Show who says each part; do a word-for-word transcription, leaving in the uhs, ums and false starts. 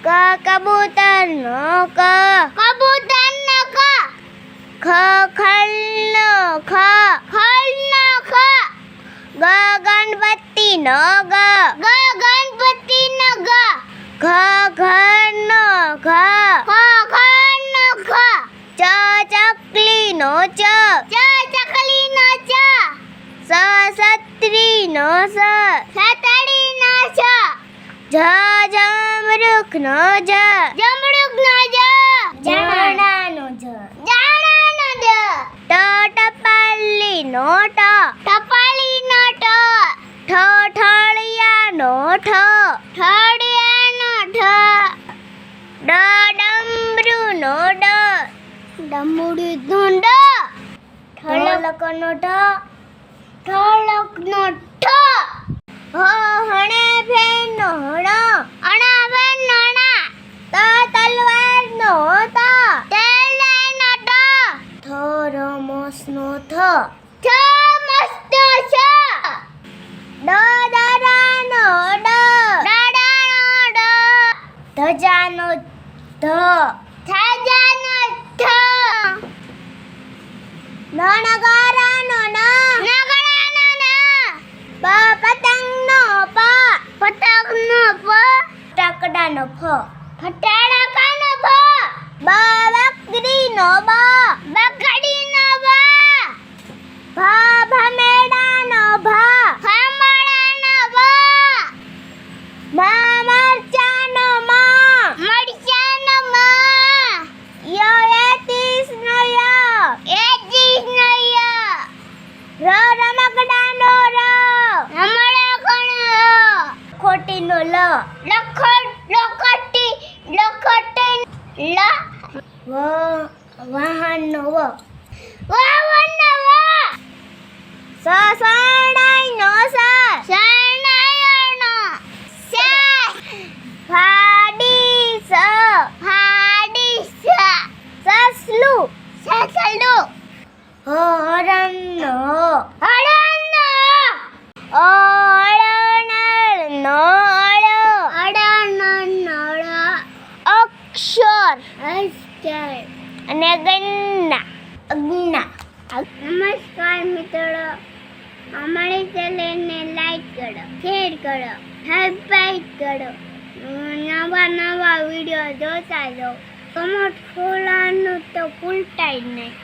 Speaker 1: ક કબૂતર નો ક
Speaker 2: કબૂતર નો ક
Speaker 1: ખ ખલ નો ખ
Speaker 2: ખલ નો ખ
Speaker 1: ગ ગણપતિ નો ગ
Speaker 2: ગ ગણપતિ નો ગ
Speaker 1: ઘ ઘર નો ઘ
Speaker 2: ખ ખ નો ખ
Speaker 1: ચ ચકલી નો ચ
Speaker 2: ચ ચકલી નો ચ
Speaker 1: સ સત્રી નો સ
Speaker 2: સતડી નો છ
Speaker 1: જ જમરૂખ નો જ
Speaker 2: જમરૂખ નો જ
Speaker 1: જાણા નો જ
Speaker 2: જાણા નો જ
Speaker 1: ટ ટપાલી નો ટ
Speaker 2: ટપાલી નો ટ
Speaker 1: ઠ ઠળિયા નો ઠ
Speaker 2: ઠળિયા નો ઠ
Speaker 1: ડ ડમરૂ નો ડ
Speaker 2: ડમરૂ નો ડ
Speaker 1: ઠળક નો ઠ
Speaker 2: ઠળક નો ઠ
Speaker 1: હ હણે ફેન નો હણ
Speaker 2: અણા બેન નો ણા
Speaker 1: ત તલવાર નો ત
Speaker 2: તેલે નો ટ
Speaker 1: થ રમસ નો થ
Speaker 2: થ મસ્ત છ
Speaker 1: ડ દરા નો ડ
Speaker 2: ડડા નો ડ
Speaker 1: ધજા નો ધ
Speaker 2: થાજા નો થ
Speaker 1: નણગારા નો ન
Speaker 2: નગડા નો ન
Speaker 1: પ પતંગ નો પ
Speaker 2: પતંગ નો પ
Speaker 1: ટકડા નો ફ
Speaker 2: ફટાડા નો ફ
Speaker 1: બ બકરી નો બ
Speaker 2: બકડી નો બ
Speaker 1: ભ ભમેડા નો ભ
Speaker 2: ફામડા નો બ
Speaker 1: મ મરચા નો મ
Speaker 2: મરચા નો મ
Speaker 1: ય એતીસ નો ય
Speaker 2: એજીસ નો ય
Speaker 1: ર રમકડા નો ર
Speaker 2: રમડા કોણ
Speaker 1: ખોટી નો લ
Speaker 2: લખટ લખટી લખટી લ
Speaker 1: વ વાહન નો વ
Speaker 2: વાવન નો વ
Speaker 1: સ સડાઈ નો સ
Speaker 2: શરણાયણ નો સ
Speaker 1: ફાડી સ
Speaker 2: ફાડી સ
Speaker 1: સસલું
Speaker 2: સસલું
Speaker 1: હરણ નો
Speaker 2: હરણ નો
Speaker 1: અળનળ નો અળ
Speaker 2: અડણ નળ
Speaker 1: અક્ષર
Speaker 2: અસ્તર
Speaker 1: અને ગન્ના અજ્ઞા
Speaker 2: નમસ્કાર મિત્રો, અમારી ચેનલને લાઈક કરો, શેર કરો, સબસ્ક્રાઇબ કરો, નવા નવા વિડીયો જોતા રહો. કમેન્ટ ખોલવાનું તો ભૂલતા જ નહીં.